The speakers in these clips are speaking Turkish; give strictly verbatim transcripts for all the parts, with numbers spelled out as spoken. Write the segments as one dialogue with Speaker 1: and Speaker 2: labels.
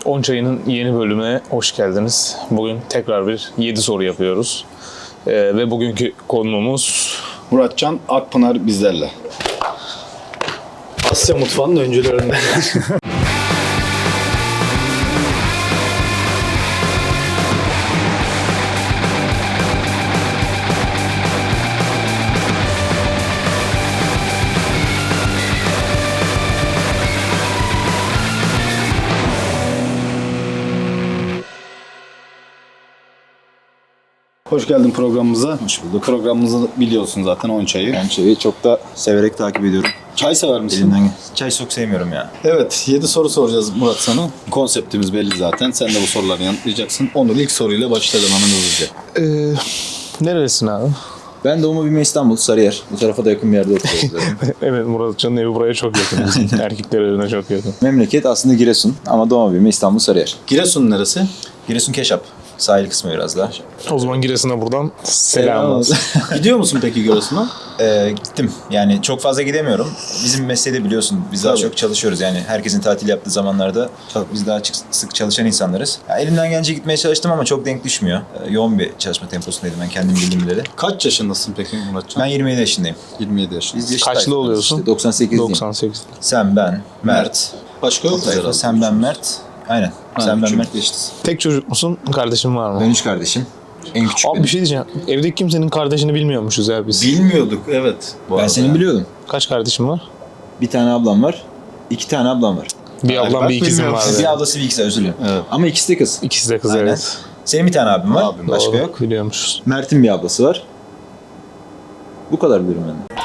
Speaker 1: on Çayı'nın yeni bölümüne hoş geldiniz. Bugün tekrar bir yedi soru yapıyoruz. Ee, ve bugünkü konuğumuz...
Speaker 2: Muratcan Akpınar bizlerle. Asya mutfağının öncülerinden. Hoş geldin programımıza.
Speaker 3: Hoş bulduk.
Speaker 2: Programımızı biliyorsun zaten on Çayı.
Speaker 3: Ben çayı çok da severek takip ediyorum.
Speaker 2: Çay sever misin?
Speaker 3: Elimden Çay çok sevmiyorum ya.
Speaker 2: Evet, yedi soru soracağız Murat sana. Konseptimiz belli zaten. Sen de bu soruları yanıtlayacaksın. Onur ilk soruyla başlayalım hemen hızlıca.
Speaker 1: Ee, nerelisin abi?
Speaker 3: Ben doğma büyüme İstanbul, Sarıyer. Bu tarafa da yakın bir yerde oturuyoruz.
Speaker 1: Evet, Muratcan'ın evi buraya çok yakın. Bizim erkekler evine çok yakın.
Speaker 3: Memleket aslında Giresun ama doğma büyüme İstanbul, Sarıyer.
Speaker 2: Giresun neresi?
Speaker 3: Giresun Keşap. Sahil kısmı biraz daha.
Speaker 1: O zaman Giresun'a buradan selam olsun.
Speaker 2: Gidiyor musun peki Giresun'a?
Speaker 3: Ee, gittim. Yani çok fazla gidemiyorum. Bizim mesleğde biliyorsun biz daha
Speaker 2: Tabii.
Speaker 3: çok çalışıyoruz. Yani herkesin tatil yaptığı zamanlarda
Speaker 2: Tabii.
Speaker 3: biz daha çık- sık çalışan insanlarız. Ya elimden gelince gitmeye çalıştım ama çok denk düşmüyor. Ee, yoğun bir çalışma temposundaydım ben kendim bildiğim bileli.
Speaker 2: Kaç yaşındasın peki Muratcan?
Speaker 3: Ben yirmi yedi yaşındayım.
Speaker 2: yirmi yedi yaşındasın.
Speaker 3: Biz yaşıtayız.
Speaker 1: Kaçlı oluyorsun?
Speaker 3: İşte doksan sekizliyim.
Speaker 1: doksan sekiz.
Speaker 3: Sen, ben, Mert.
Speaker 2: Başka yok mu herhalde?
Speaker 3: Sen, ben, Mert. Aynen.
Speaker 2: Ha,
Speaker 3: Sen, ben,
Speaker 2: üçümüz
Speaker 3: Mert.
Speaker 2: geçtiz.
Speaker 1: Tek çocuk musun? Kardeşin var mı?
Speaker 3: Ben üç kardeşim. En küçük
Speaker 1: Abi
Speaker 3: benim.
Speaker 1: bir şey diyeceğim. Evdeki kimsenin kardeşini bilmiyormuşuz ya biz.
Speaker 2: Bilmiyorduk evet. Bu
Speaker 3: Ben
Speaker 2: arada.
Speaker 3: senin biliyordum.
Speaker 1: Kaç kardeşin var?
Speaker 3: Bir tane ablam var. İki tane ablam var.
Speaker 1: Bir
Speaker 2: Ay,
Speaker 1: ablam
Speaker 2: bak
Speaker 1: bir ikizim
Speaker 2: bilmiyorum.
Speaker 1: var.
Speaker 3: Bir ablası bir ikisi özür dilerim.
Speaker 2: Evet.
Speaker 3: Ama ikisi de kız.
Speaker 1: İkisi de kız
Speaker 3: Aynen.
Speaker 1: evet.
Speaker 3: Senin bir tane abin var.
Speaker 2: Abim,
Speaker 3: Başka
Speaker 1: Doğru,
Speaker 3: yok.
Speaker 1: biliyormuşuz.
Speaker 3: Mert'in bir ablası var. Bu kadar biliyorum ben de.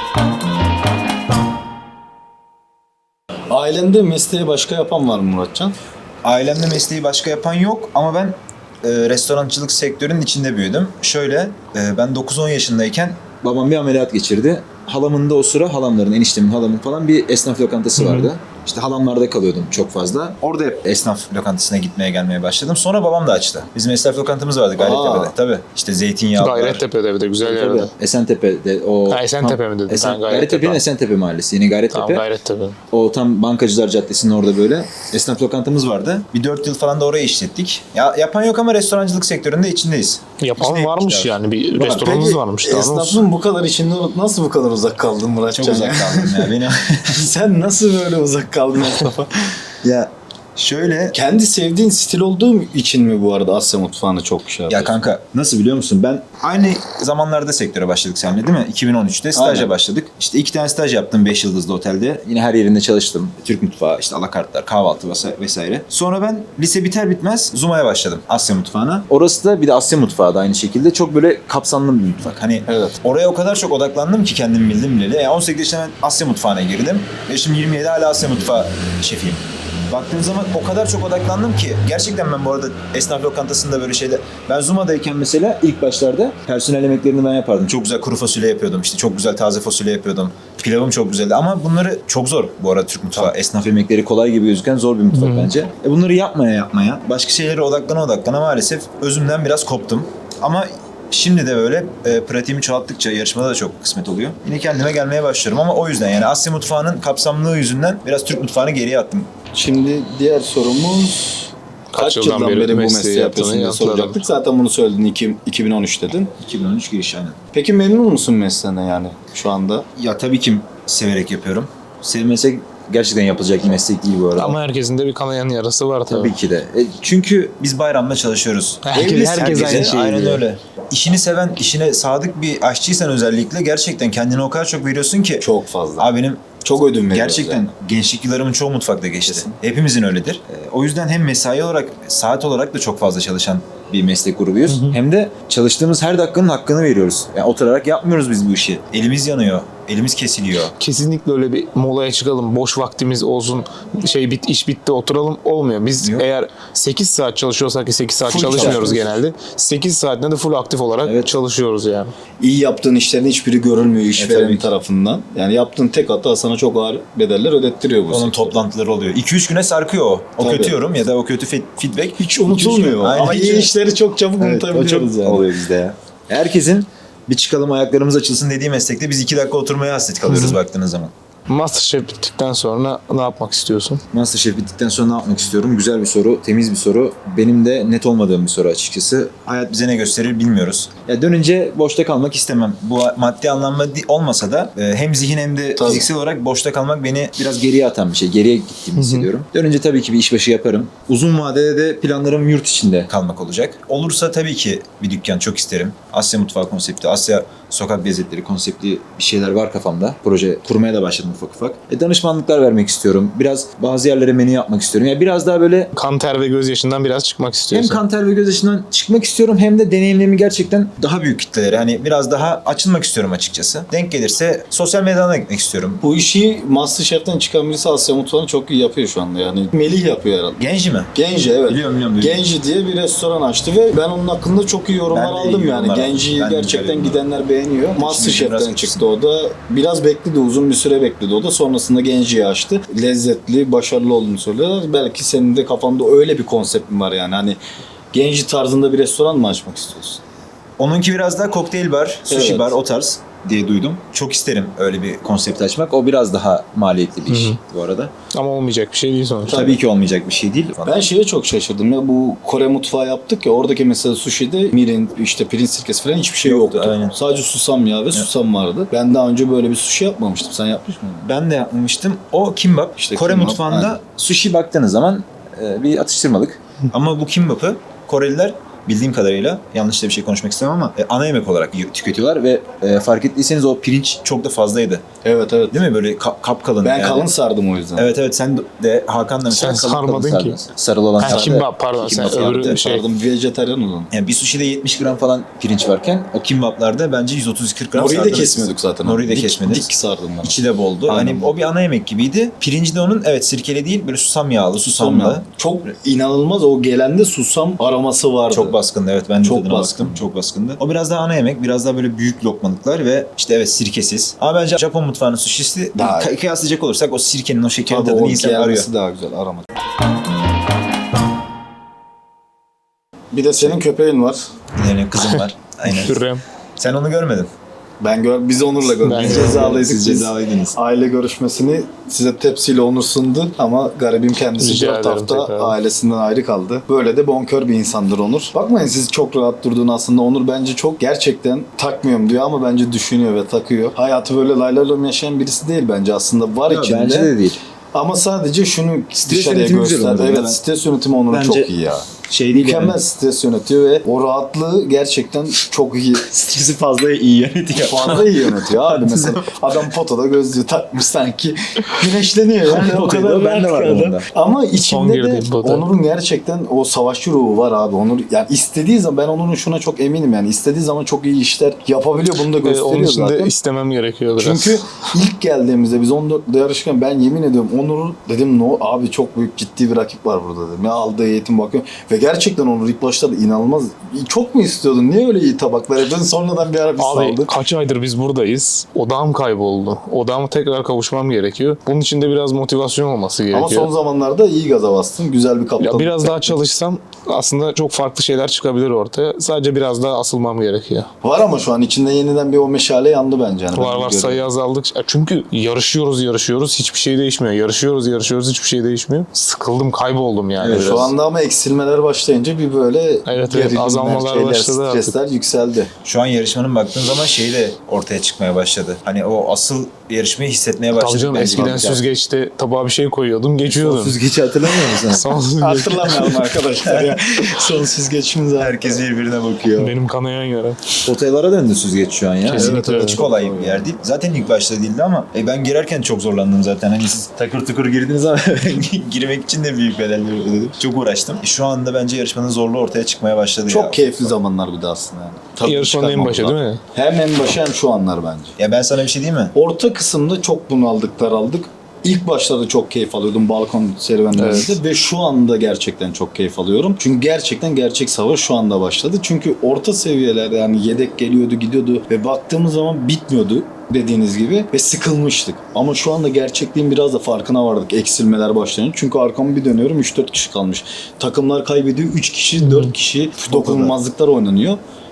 Speaker 2: Ailende mesleği başka yapan var mı Muratcan?
Speaker 3: Ailemde mesleği başka yapan yok ama ben e, restorancılık sektörünün içinde büyüdüm. Şöyle, e, ben dokuz on yaşındayken babam bir ameliyat geçirdi. Halamın da o sıra, halamların, eniştemin, halamın falan bir esnaf lokantası vardı. İşte halamlarda kalıyordum çok fazla. Orada hep esnaf lokantasına gitmeye gelmeye başladım. Sonra babam da açtı. Bizim esnaf lokantamız vardı Gayrettepe'de.
Speaker 2: Aa.
Speaker 3: Tabii. İşte zeytinyağlılar.
Speaker 1: Gayrettepe'de bir de güzel
Speaker 3: Tabii,
Speaker 1: yerde.
Speaker 3: Esentepe'de o...
Speaker 1: Ha, Esentepe mi dedin?
Speaker 3: Esen,
Speaker 1: Ben Gayrettepe.
Speaker 3: Gayrettepe'nin Esentepe mahallesi. Yine Gayrettepe.
Speaker 1: Tamam Gayrettepe.
Speaker 3: O tam Bankacılar Caddesi'nin orada böyle esnaf lokantamız vardı. Bir dört yıl falan da orayı işlettik. Ya, yapan yok ama restorancılık sektöründe içindeyiz.
Speaker 1: Yapan
Speaker 3: İçindeydik
Speaker 1: varmış
Speaker 3: işte.
Speaker 1: yani. Bir
Speaker 3: Var.
Speaker 1: restoranınız
Speaker 2: Peki,
Speaker 1: varmış. Daha doğrusu.
Speaker 2: esnafın bu kadar içinde olup nasıl bu kadar uzak kaldın Muratcan?
Speaker 3: Çok uzak kaldım ya. Benim...
Speaker 2: Sen nasıl böyle uzak kaldın esnafa?
Speaker 3: ya şöyle...
Speaker 2: Kendi sevdiğin stil olduğu için mi bu arada Asya mutfağını çok şey
Speaker 3: Ya
Speaker 2: yapıyorsun?
Speaker 3: kanka nasıl biliyor musun? Ben aynı zamanlarda sektöre başladık seninle değil mi? iki bin on üçte staja
Speaker 2: Aynen.
Speaker 3: başladık. İşte iki tane staj yaptım beş yıldızlı otelde. Yine her yerinde çalıştım. Türk mutfağı, işte alakartlar, kahvaltı vesa- vesaire. Sonra ben lise biter bitmez Zuma'ya başladım Asya mutfağına. Orası da bir de Asya mutfağı da aynı şekilde çok böyle kapsamlı bir mutfak. Hani
Speaker 2: Evet.
Speaker 3: oraya o kadar çok odaklandım ki kendim bildim bileli. Yani on sekiz yaşında ben Asya mutfağına girdim. Ve şimdi yirmi yedi hala Asya mutfağı şefiyim. Baktığın zaman o kadar çok odaklandım ki gerçekten ben bu arada esnaf lokantasında böyle şeyler... Ben Zuma'dayken mesela ilk başlarda personel yemeklerini ben yapardım. Çok güzel kuru fasulye yapıyordum, işte çok güzel taze fasulye yapıyordum. Pilavım çok güzeldi ama bunları çok zor bu arada Türk mutfağı. Esnaf yemekleri kolay gibi gözüken zor bir mutfak bence. E bunları yapmaya yapmaya, başka şeylere odaklana odaklana maalesef özümden biraz koptum. Ama şimdi de böyle e, pratiğimi çoğalttıkça yarışmada da çok kısmet oluyor. Yine kendime gelmeye başlıyorum ama o yüzden yani Asya mutfağının kapsamlılığı yüzünden biraz Türk mutfağını geriye attım.
Speaker 2: Şimdi diğer sorumuz kaç, yıldan, beri, bu mesleği yapıyorsun diye
Speaker 1: yanıtladım.
Speaker 2: soracaktık. Zaten bunu söyledin iki- iki bin on üç dedin.
Speaker 3: iki bin on üç giriş aynen.
Speaker 2: Peki memnun musun mesleğine yani şu anda?
Speaker 3: Ya tabii ki severek yapıyorum. Sevmesek gerçekten yapılacak bir meslek değil bu arada.
Speaker 1: Ama herkesin de bir kanayan yarası var tabii.
Speaker 3: tabii ki de. E, çünkü biz bayramda çalışıyoruz.
Speaker 1: Herkes,
Speaker 2: Evlisin,
Speaker 1: herkes aynı
Speaker 2: herkese,
Speaker 1: şeyi
Speaker 3: Aynen
Speaker 1: diyor.
Speaker 3: öyle. İşini seven, işine sadık bir aşçıysan özellikle gerçekten kendine o kadar çok veriyorsun ki.
Speaker 2: Çok fazla.
Speaker 3: Abi benim
Speaker 2: Çok ödün veriyoruz
Speaker 3: gerçekten
Speaker 2: yani.
Speaker 3: gençlik yıllarımın çoğu mutfakta geçti. Hepimizin öyledir. E, o yüzden hem mesai olarak, saat olarak da çok fazla çalışan bir meslek grubuyuz. Hem de çalıştığımız her dakikanın hakkını veriyoruz. Yani oturarak yapmıyoruz biz bu işi. Elimiz yanıyor, elimiz kesiliyor.
Speaker 1: Kesinlikle öyle bir molaya çıkalım, boş vaktimiz olsun, şey bit iş bitti oturalım olmuyor. Biz
Speaker 3: Yok.
Speaker 1: eğer sekiz saat çalışıyorsak ki sekiz saat
Speaker 3: Full
Speaker 1: çalışmıyoruz
Speaker 3: çalışıyoruz.
Speaker 1: genelde. sekiz saatinde de full aktif olarak
Speaker 3: Evet.
Speaker 1: çalışıyoruz yani.
Speaker 2: İyi yaptığın işlerin hiçbiri görülmüyor
Speaker 3: tabii
Speaker 2: işveren
Speaker 3: ki.
Speaker 2: tarafından. Yani yaptığın tek hata sana çok ağır bedeller ödettiriyor bu
Speaker 3: Onun
Speaker 2: sektör.
Speaker 3: toplantıları oluyor. iki üç güne sarkıyor o. O
Speaker 2: Tabii.
Speaker 3: kötü yorum ya da o kötü fe- feedback.
Speaker 2: Hiç unutulmuyor.
Speaker 3: Aynen.
Speaker 2: Ama iyi işleri çok çabuk
Speaker 3: Evet, o çok
Speaker 2: unutabiliyoruz yani.
Speaker 3: oluyor bizde ya. Herkesin bir çıkalım ayaklarımız açılsın dediği meslekte biz iki dakika oturmaya hasret kalıyoruz baktığınız zaman.
Speaker 1: Masterchef bittikten sonra ne yapmak istiyorsun?
Speaker 3: Masterchef bittikten sonra ne yapmak istiyorum? Güzel bir soru, temiz bir soru. Benim de net olmadığım bir soru açıkçası. Hayat bize ne gösterir bilmiyoruz. Ya dönünce boşta kalmak istemem. Bu maddi anlamda di- olmasa da e, hem zihin hem de
Speaker 2: Tabii.
Speaker 3: fiziksel olarak boşta kalmak beni biraz geriye atan bir şey. Geriye gittiğimi hissediyorum. Dönünce tabii ki bir işbaşı yaparım. Uzun vadede de planlarım yurt içinde kalmak olacak. Olursa tabii ki bir dükkan çok isterim. Asya mutfağı konsepti, Asya sokak lezzetleri konseptli bir şeyler var kafamda. Proje kurmaya da başladım ufak ufak. E, danışmanlıklar vermek istiyorum. Biraz bazı yerlere menü yapmak istiyorum. Yani biraz daha böyle
Speaker 1: Kan, ter ve gözyaşından biraz çıkmak
Speaker 3: hem
Speaker 1: istiyorsun.
Speaker 3: kan ter ve gözyaşından çıkmak istiyorum hem de deneyimlerimi gerçekten daha büyük kitlelere, hani biraz daha açılmak istiyorum açıkçası. Denk gelirse sosyal medyadan da gitmek istiyorum.
Speaker 2: Bu işi Masterchef'ten çıkan birisi Asya mutfağını çok iyi yapıyor şu anda yani. Melih yapıyor herhalde.
Speaker 3: Genci mi?
Speaker 2: Genci evet.
Speaker 3: Biliyorum, biliyorum, biliyorum.
Speaker 2: Genci diye bir restoran açtı ve ben onun hakkında çok iyi yorumlar
Speaker 3: Ben de iyi
Speaker 2: aldım yani.
Speaker 3: yorumlar aldım.
Speaker 2: Genci
Speaker 3: Ben de
Speaker 2: gerçekten
Speaker 3: güzel
Speaker 2: gidenler beğeniyor.
Speaker 3: biraz
Speaker 2: Masterchef'ten
Speaker 3: kötüsün.
Speaker 2: çıktı o da. Biraz bekledi, uzun bir süre bekledi o da. Sonrasında Genci'yi açtı. Lezzetli, başarılı olduğunu söylüyorlar. Belki senin de kafanda öyle bir konseptin var yani. Hani Genci tarzında bir restoran mı açmak istiyorsun?
Speaker 3: Onunki biraz daha kokteyl bar, sushi
Speaker 2: Evet.
Speaker 3: bar o tarz diye duydum. Çok isterim öyle bir konsept açmak. O biraz daha maliyetli bir iş
Speaker 1: Hı hı.
Speaker 3: bu arada.
Speaker 1: Ama olmayacak bir şey değil sonuçta.
Speaker 3: Tabii ki olmayacak bir şey değil.
Speaker 2: Ben şeye çok şaşırdım ya, bu Kore mutfağı yaptık ya, oradaki mesela sushi'de mirin, işte pirinç sirkesi falan hiçbir şey
Speaker 3: Yoktu,
Speaker 2: yoktu.
Speaker 3: aynen.
Speaker 2: Sadece susam yağı ve susam vardı. Ben daha önce böyle bir sushi yapmamıştım. Sen yapmış mıydın?
Speaker 3: Ben de yapmamıştım. O kimbap.
Speaker 2: İşte
Speaker 3: Kore
Speaker 2: kimbap,
Speaker 3: mutfağında
Speaker 2: aynen.
Speaker 3: sushi baktığınız zaman e, bir atıştırmalık. Ama bu kimbap'ı Koreliler bildiğim kadarıyla, yanlış da bir şey konuşmak istemem ama e, ana yemek olarak yiyor- tüketiyorlar ve e, fark ettiyseniz o pirinç çok da fazlaydı.
Speaker 2: Evet evet.
Speaker 3: Değil mi? Böyle ka- kapkalın.
Speaker 2: Ben
Speaker 3: yani.
Speaker 2: kalın sardım o yüzden.
Speaker 3: Evet evet, sen de Hakan da mesela
Speaker 1: Sen
Speaker 3: kalın kalın
Speaker 1: sarmadın ki.
Speaker 3: sardın. Sarılı olan
Speaker 1: Ha,
Speaker 3: sardı.
Speaker 1: kimbap, pardon,
Speaker 3: Kimbap
Speaker 1: sen
Speaker 3: yaptı.
Speaker 1: öbürü şey-
Speaker 2: Sardım, vejetaryen olan.
Speaker 3: Yani bir sushi'de yetmiş gram falan pirinç varken o kimbaplarda bence yüz otuz kırk gram
Speaker 2: Nori'yi de
Speaker 3: sardınız.
Speaker 2: kesmiyorduk zaten.
Speaker 3: Nori'yi de
Speaker 2: Dik-
Speaker 3: kesmediniz.
Speaker 2: Dik sardım ben.
Speaker 3: İçi de boldu.
Speaker 2: Aynen.
Speaker 3: Hani o bir ana yemek gibiydi. Pirinci de onun evet sirkeli değil, böyle susam yağlı,
Speaker 2: Susam
Speaker 3: susamlı.
Speaker 2: ya. Çok inanılmaz, o gelende susam aroması vardı.
Speaker 3: Çok baskındı, evet, ben de
Speaker 2: Çok
Speaker 3: tadına
Speaker 2: baskın.
Speaker 3: baktım. Çok baskındı. O biraz daha ana yemek, biraz daha böyle büyük lokmalıklar ve işte evet sirkesiz. Ama bence Japon mutfağının sushisi
Speaker 2: Daha-
Speaker 3: kı- kıyaslayacak olursak o sirkenin, o şekerin
Speaker 2: Tabii
Speaker 3: tadını
Speaker 2: o
Speaker 3: insan arıyor.
Speaker 2: gelmesi daha güzel, arama. Bir de senin köpeğin var.
Speaker 3: Yani kızım var. Aynen.
Speaker 1: Hürrem.
Speaker 3: Sen onu görmedin.
Speaker 2: Ben gör, biz Onur'la gördük.
Speaker 1: Ben
Speaker 2: Biz
Speaker 1: gördüm.
Speaker 2: cezalıydık.
Speaker 3: Siz
Speaker 2: Biz
Speaker 3: cezalıydınız.
Speaker 2: Aile görüşmesini size tepsiyle Onur sundu ama garibim kendisi
Speaker 1: Rica
Speaker 2: dört
Speaker 1: ederim
Speaker 2: hafta
Speaker 1: tekrar.
Speaker 2: ailesinden ayrı kaldı. Böyle de bonkör bir insandır Onur. Bakmayın siz çok rahat durduğunu, aslında Onur bence çok gerçekten takmıyorum diyor ama bence düşünüyor ve takıyor. Hayatı böyle laylarla yaşayan birisi değil bence, aslında var
Speaker 3: Yok,
Speaker 2: içinde.
Speaker 3: bence de değil.
Speaker 2: Ama sadece şunu
Speaker 3: Stres
Speaker 2: dışarıya
Speaker 3: yönetimi güzel
Speaker 2: göster.
Speaker 3: Onur'un.
Speaker 2: Evet,
Speaker 3: Ben-
Speaker 2: stres yönetimi Onur'un
Speaker 3: Bence
Speaker 2: çok iyi ya.
Speaker 3: Şey değil
Speaker 2: Mükemmel
Speaker 3: yani.
Speaker 2: stres yönetiyor ve o rahatlığı gerçekten çok iyi.
Speaker 3: Stresi fazla iyi yönetiyor.
Speaker 2: Fazla iyi yönetiyor abi mesela. Adam potada gözlüğü takmış sanki güneşleniyor yani o
Speaker 3: Potayı
Speaker 2: kadar
Speaker 3: da ben de
Speaker 2: rahat
Speaker 3: varım
Speaker 2: ki adam.
Speaker 3: onda.
Speaker 2: Ama
Speaker 1: Son
Speaker 2: içinde de
Speaker 1: girdiğim pota.
Speaker 2: Onur'un gerçekten o savaşçı ruhu var abi. Onur yani istediği zaman, ben Onur'un şuna çok eminim yani, istediği zaman çok iyi işler yapabiliyor, bunu da
Speaker 1: Ee,
Speaker 2: gösteriyor
Speaker 1: onun için de
Speaker 2: zaten.
Speaker 1: istemem gerekiyor biraz.
Speaker 2: Çünkü ilk geldiğimizde biz on dörtte yarışırken ben yemin ediyorum Onur dedim, no abi çok büyük ciddi bir rakip var burada dedim. Ya aldığı eğitim bakıyorum ve gerçekten Onur ilk başta da inanılmaz. Çok mu istiyordun? Niye öyle iyi tabaklar yapıyorsun? Sonradan bir ara bir
Speaker 1: Abi
Speaker 2: saldı.
Speaker 1: kaç aydır biz buradayız. Odağım kayboldu. Odağıma tekrar kavuşmam gerekiyor. Bunun için de biraz motivasyon olması gerekiyor.
Speaker 2: Ama son zamanlarda iyi gaza bastın. Güzel bir kaptan.
Speaker 1: Ya biraz daha çalışsam aslında çok farklı şeyler çıkabilir ortaya. Sadece biraz daha asılmam gerekiyor.
Speaker 2: Var ama şu an içinde yeniden bir o meşale yandı bence. Yani
Speaker 1: Var
Speaker 2: ben
Speaker 1: var,
Speaker 2: görüyorum.
Speaker 1: sayı azaldıkça. Çünkü yarışıyoruz yarışıyoruz hiçbir şey değişmiyor. Yarışıyoruz yarışıyoruz hiçbir şey değişmiyor. Sıkıldım, kayboldum yani
Speaker 3: Evet,
Speaker 1: biraz.
Speaker 2: Şu anda ama eksilmeler başlayınca bir böyle
Speaker 1: Evet, evet,
Speaker 2: gerilimler,
Speaker 1: azalmalar
Speaker 2: şeyler,
Speaker 1: başladı artık.
Speaker 2: stresler yükseldi.
Speaker 3: Şu an yarışmanın baktığın zaman şeyi de ortaya çıkmaya başladı. Hani o asıl yarışmayı hissetmeye başladık.
Speaker 1: Tabii canım,
Speaker 3: bence.
Speaker 1: eskiden
Speaker 3: Ya.
Speaker 1: süzgeçte tabağa bir şey koyuyordum geçiyordum.
Speaker 3: Süzgeci hatırlamıyor musun?
Speaker 1: Son süzgeç.
Speaker 2: Hatırlamayalım arkadaşlar ya. Son süzgeçimiz var.
Speaker 3: Herkes birbirine bakıyor.
Speaker 1: Benim kanayan yara.
Speaker 3: Otellara döndü süzgeç şu an ya.
Speaker 1: Kesinlikle
Speaker 3: Evet,
Speaker 1: öyle.
Speaker 3: hiç kolay bir yer değil. Zaten ilk başta değildi ama e, ben girerken çok zorlandım zaten. Hani siz takır tukur girdiniz ama ben girmek için de büyük bedeller ödedim. Çok uğraştım. E, şu anda bence yarışmanın zorluğu ortaya çıkmaya başladı.
Speaker 2: Çok
Speaker 3: ya.
Speaker 2: keyifli zamanlar bir de aslında yani. Tabii
Speaker 1: Yarışmanın en başı
Speaker 2: çıkarmadılar.
Speaker 1: değil mi?
Speaker 2: Hem en başı hem şu anlar bence.
Speaker 3: Ya ben sana bir şey diyeyim mi?
Speaker 2: Orta kısımda çok bunaldık, daraldık. İlk başlarda çok keyif alıyordum balkon serüvenlerinde ve şu anda gerçekten çok keyif alıyorum. Çünkü gerçekten gerçek savaş şu anda başladı. Çünkü orta seviyelerde yani yedek geliyordu, gidiyordu ve baktığımız zaman bitmiyordu dediğiniz gibi ve sıkılmıştık. Ama şu anda gerçekliğin biraz da farkına vardık eksilmeler başlayınca. Çünkü arkamı bir dönüyorum üç dört kişi kalmış. Takımlar kaybediyor, üç kişi, dört kişi dokunulmazlıklar oynanıyor.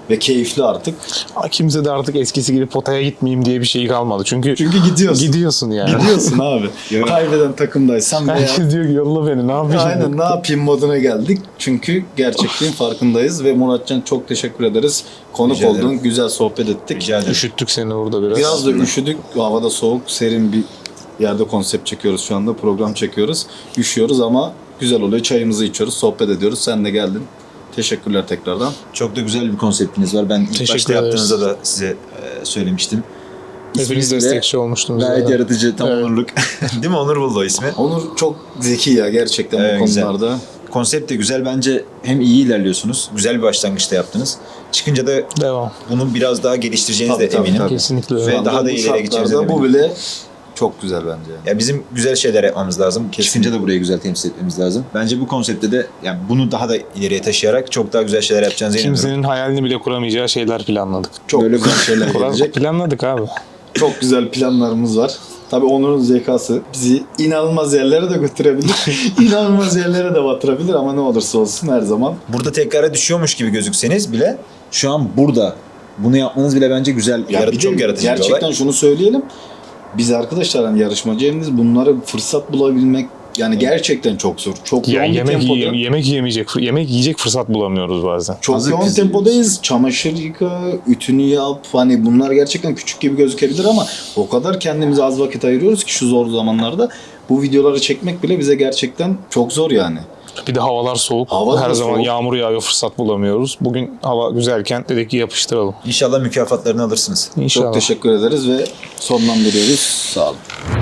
Speaker 2: ve keyifli artık.
Speaker 1: Ama kimse de artık eskisi gibi potaya gitmeyeyim diye bir şey kalmadı. Çünkü,
Speaker 2: Çünkü gidiyorsun.
Speaker 1: gidiyorsun yani.
Speaker 2: Gidiyorsun abi. Kaybeden takımdaysan veya
Speaker 1: Herkes diyor ki yolla beni ne yapayım?
Speaker 2: aynen ne yapayım moduna geldik. Çünkü gerçekliğin farkındayız ve Muratcan çok teşekkür ederiz. Konuk
Speaker 3: Rica ederim.
Speaker 2: oldun, güzel sohbet ettik.
Speaker 3: Rica ederim.
Speaker 1: Üşüttük seni burada biraz.
Speaker 2: Biraz da üşüdük. Havada soğuk, serin bir yerde konsept çekiyoruz şu anda. Program çekiyoruz. Üşüyoruz ama güzel oluyor. Çayımızı içiyoruz, sohbet ediyoruz. Sen de geldin. Teşekkürler tekrardan.
Speaker 3: Çok da güzel bir konseptiniz var. Ben ilk
Speaker 1: Teşekkür
Speaker 3: başta
Speaker 1: ederiz.
Speaker 3: yaptığınızda da size e, söylemiştim.
Speaker 1: Hepiniz
Speaker 3: İsminiz bile
Speaker 1: destekçi olmuştunuz.
Speaker 3: Gayet
Speaker 1: zaten.
Speaker 3: yaratıcı, tam
Speaker 1: Evet.
Speaker 3: onurluk. Değil mi? Onur buldu o ismi.
Speaker 2: Onur çok zeki ya gerçekten
Speaker 3: Evet,
Speaker 2: bu
Speaker 3: güzel.
Speaker 2: konularda.
Speaker 3: Konsept de güzel. Bence hem iyi ilerliyorsunuz. Güzel bir başlangıçta yaptınız. Çıkınca da
Speaker 1: Devam.
Speaker 3: bunu biraz daha geliştireceğiniz
Speaker 2: Tabii,
Speaker 3: de
Speaker 2: tabii,
Speaker 3: eminim.
Speaker 2: tabii.
Speaker 1: Kesinlikle
Speaker 3: Ve
Speaker 1: öyle.
Speaker 2: Şu anda
Speaker 3: daha da
Speaker 2: bu
Speaker 3: ileriye
Speaker 2: şartlarda
Speaker 3: gideceğinize
Speaker 2: Bu
Speaker 3: eminim.
Speaker 2: bile çok güzel bence.
Speaker 3: Ya bizim güzel şeyler yapmamız lazım.
Speaker 2: Kesinlikle.
Speaker 3: Çıkınca da burayı güzel temsil etmemiz lazım. Bence bu konseptte de yani bunu daha da ileriye taşıyarak çok daha güzel şeyler yapacağınıza inanıyorum.
Speaker 1: Kimsenin hayalini bile kuramayacağı şeyler planladık.
Speaker 2: Çok
Speaker 3: Böyle
Speaker 2: güzel şeyler
Speaker 1: Plan-
Speaker 2: gelecek.
Speaker 1: Planladık abi.
Speaker 2: Çok güzel planlarımız var. Tabii Onur'un zekası bizi inanılmaz yerlere de götürebilir. inanılmaz yerlere de batırabilir ama ne olursa olsun her zaman.
Speaker 3: Burada tekrara düşüyormuş gibi gözükseniz bile şu an burada bunu yapmanız bile bence güzel,
Speaker 2: Ya
Speaker 3: yarat-
Speaker 2: bir de
Speaker 3: çok yaratıcı bir
Speaker 2: gerçekten
Speaker 3: olay.
Speaker 2: şunu söyleyelim. Biz arkadaşlar hani yarışmacıyız bunları fırsat bulabilmek yani gerçekten çok zor. Çok
Speaker 1: Ya
Speaker 2: yoğun bir
Speaker 1: yemek
Speaker 2: tempoda.
Speaker 1: yiye- yemek yemeyecek, yemek yiyecek fırsat bulamıyoruz bazen.
Speaker 2: Çok
Speaker 3: Hazır
Speaker 2: yoğun
Speaker 3: pizza
Speaker 2: tempodayız. Çamaşır yıka, ütünü yap. Hani bunlar gerçekten küçük gibi gözükebilir ama o kadar kendimize az vakit ayırıyoruz ki şu zor zamanlarda bu videoları çekmek bile bize gerçekten çok zor yani.
Speaker 1: Bir de havalar soğuk.
Speaker 2: Hava
Speaker 1: Her
Speaker 2: da
Speaker 1: zaman
Speaker 2: soğuk.
Speaker 1: yağmur yağıyor, fırsat bulamıyoruz. Bugün hava güzelken dedik ki yapıştıralım.
Speaker 3: İnşallah mükafatlarını alırsınız.
Speaker 1: İnşallah.
Speaker 2: Çok teşekkür ederiz ve sonlandırıyoruz. Sağ olun.